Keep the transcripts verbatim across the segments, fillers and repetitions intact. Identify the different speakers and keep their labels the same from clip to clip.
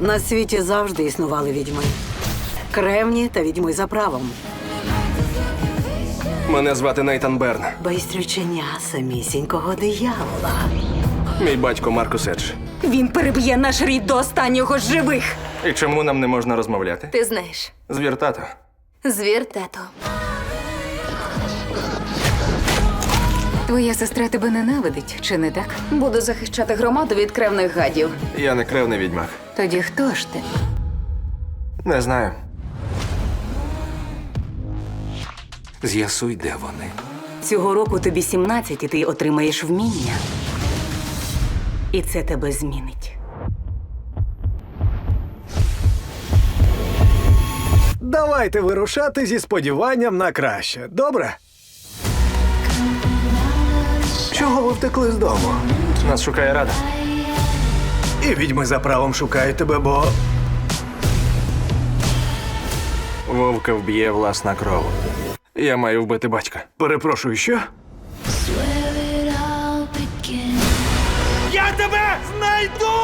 Speaker 1: На світі завжди існували відьми. Кремні та відьми за правом.
Speaker 2: Мене звати Нейтан Берн.
Speaker 1: Байстрючення самісінького диявола.
Speaker 2: Мій батько Маркус Едж.
Speaker 3: Він переб'є наш рід до останнього з живих.
Speaker 2: І чому нам не можна розмовляти?
Speaker 3: Ти знаєш.
Speaker 2: Звір тато.
Speaker 3: Звір тато. Твоя сестра тебе ненавидить, чи не так? Буду захищати громаду від кревних гадів.
Speaker 2: Я не кревний відьмак.
Speaker 3: Тоді хто ж ти?
Speaker 2: Не знаю. З'ясуй, де вони.
Speaker 3: Цього року тобі сімнадцять, і ти отримаєш вміння. І це тебе змінить.
Speaker 4: Давайте вирушати зі сподіванням на краще. Добре? Чого ви втекли з дому?
Speaker 2: Нас шукає рада.
Speaker 4: І відьми за правом шукають тебе, бо...
Speaker 2: Вовка вб'є власна кров. Я маю вбити батька.
Speaker 4: Перепрошую, що?
Speaker 2: Я тебе знайду!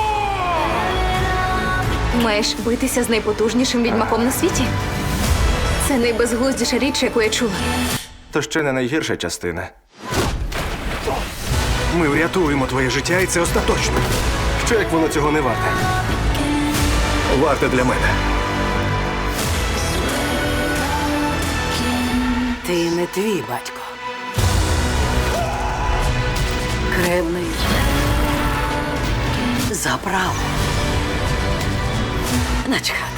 Speaker 3: Маєш битися з найпотужнішим відьмаком на світі? Це найбезглуздіша річ, яку я чула.
Speaker 2: То ще не найгірша частина.
Speaker 4: Ми врятуємо твоє життя, і це остаточно.
Speaker 2: Що як воно цього не варте?
Speaker 4: Варте для мене.
Speaker 1: Ти не твій батько. Кремний за правом. Начхати.